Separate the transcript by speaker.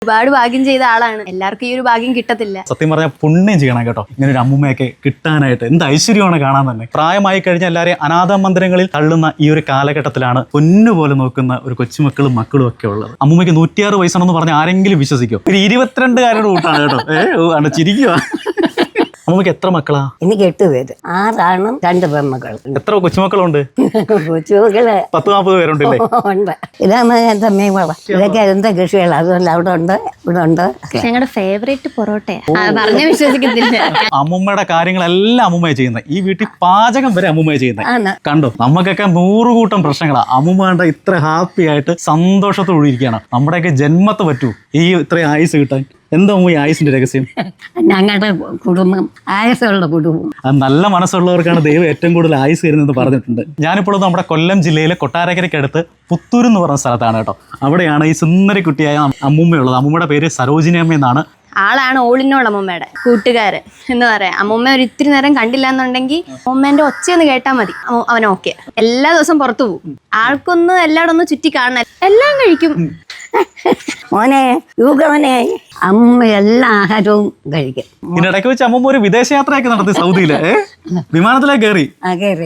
Speaker 1: ഒരുപാട് ഭാഗ്യം ചെയ്ത ആളാണ്. എല്ലാവർക്കും ഈ ഒരു ഭാഗ്യം കിട്ടത്തില്ല.
Speaker 2: സത്യം പറഞ്ഞാൽ പുണ്യം ചെയ്യണം കേട്ടോ, ഇങ്ങനെ ഒരു അമ്മൂമ്മയൊക്കെ കിട്ടാനായിട്ട്. എന്ത് ഐശ്വര്യമാണ് കാണാൻ തന്നെ. പ്രായമായി കഴിഞ്ഞാൽ എല്ലാവരെയും അനാഥ മന്ദിരങ്ങളിൽ തള്ളുന്ന ഈ ഒരു കാലഘട്ടത്തിലാണ് പൊന്നുപോലെ നോക്കുന്ന ഒരു കൊച്ചുമക്കളും മക്കളും ഒക്കെ ഉള്ളത്. അമ്മൂമ്മയ്ക്ക് 106 വയസ്സാണെന്ന് പറഞ്ഞാൽ ആരെങ്കിലും വിശ്വസിക്കും? ഒരു 22കാരുടെ കൂട്ടാണ് കേട്ടോ. ചിരിക്കുക. അമ്മൂമ്മയ്ക്ക് എത്ര മക്കളാ?
Speaker 3: എനിക്ക് 8 പേര്, 6 ആണും 2 പെൺമക്കളും.
Speaker 2: എത്ര കൊച്ചുമക്കളുണ്ട്?
Speaker 3: കൊച്ചുമക്കള്
Speaker 2: 10-40 പേരുണ്ടല്ലേ?
Speaker 3: ഉണ്ട്. ഇതാണ് എന്റെ മീൻവളം. ഇതൊക്കെ എന്റെ കൃഷികൾ. അതുമല്ല അവിടെ ഉണ്ട്, ഇവിടെ ഉണ്ട്.
Speaker 1: ഞങ്ങളുടെ ഫേവറേറ്റ് പൊറോട്ടയാ. പറഞ്ഞ വിശ്വസിക്കത്തില്ല.
Speaker 2: അമ്മൂമ്മയുടെ കാര്യങ്ങളെല്ലാം അമ്മൂമ്മയെ ചെയ്യുന്നത്. ഈ വീട്ടിൽ പാചകം വരെ അമ്മൂമ്മയെ ചെയ്യുന്നത്. കണ്ടോ, നമുക്കൊക്കെ 100 കൂട്ടം പ്രശ്നങ്ങളാ. അമ്മൂമ്മ ഇത്ര ഹാപ്പി ആയിട്ട് സന്തോഷത്തോടെ ഇരിക്കുകയാണ്. നമ്മുടെയൊക്കെ ജന്മത്ത് പറ്റൂ ഈ ഇത്രയും ആയുസ് കിട്ടാൻ. എന്താ ഈ ആയുസിന്റെ രഹസ്യം?
Speaker 3: ഞങ്ങളുടെ കുടുംബം ആയുസുള്ള കുടുംബം.
Speaker 2: നല്ല മനസ്സുള്ളവർക്കാണ് ദൈവം ഏറ്റവും കൂടുതൽ ആയുസ് തരുന്നത് പറഞ്ഞിട്ടുണ്ട്. ഞാനിപ്പോൾ നമ്മുടെ കൊല്ലം ജില്ലയിലെ കൊട്ടാരക്കരയ്ക്കടുത്ത് പുത്തൂർ എന്ന് പറഞ്ഞ സ്ഥലത്താണ് കേട്ടോ. അവിടെയാണ് ഈ സുന്ദരി കുട്ടിയായ അമ്മൂമ്മയുള്ളത്. അമ്മൂമ്മയുടെ പേര് സരോജിനി അമ്മ എന്നാണ്.
Speaker 1: ആളാണ് ഓളിനോൾ അമ്മൂമ്മയുടെ കൂട്ടുകാരൻ എന്ന് പറയാം. അമ്മൂമ്മ ഒരു ഇത്തിരി നേരം കണ്ടില്ല എന്നുണ്ടെങ്കിൽ അമ്മൂമ്മേന്റെ ഒച്ചയൊന്ന് കേട്ടാൽ മതി, അവൻ ഓക്കെ. എല്ലാ ദിവസവും പുറത്തു പോകും. ആൾക്കൊന്ന് എല്ലായിടും ഒന്ന് ചുറ്റി കാണണം, എല്ലാം കഴിക്കും.
Speaker 3: മോനെ യൂഗവനെ അമ്മ എല്ലാ ആഹാരവും കഴിക്കും.
Speaker 2: ഇതിനിടയ്ക്ക് വെച്ച് അമ്മൂമ്മ ഒരു വിദേശയാത്രയൊക്കെ നടത്തി സൗദിയില്. വിമാനത്തിലേക്ക് കയറി.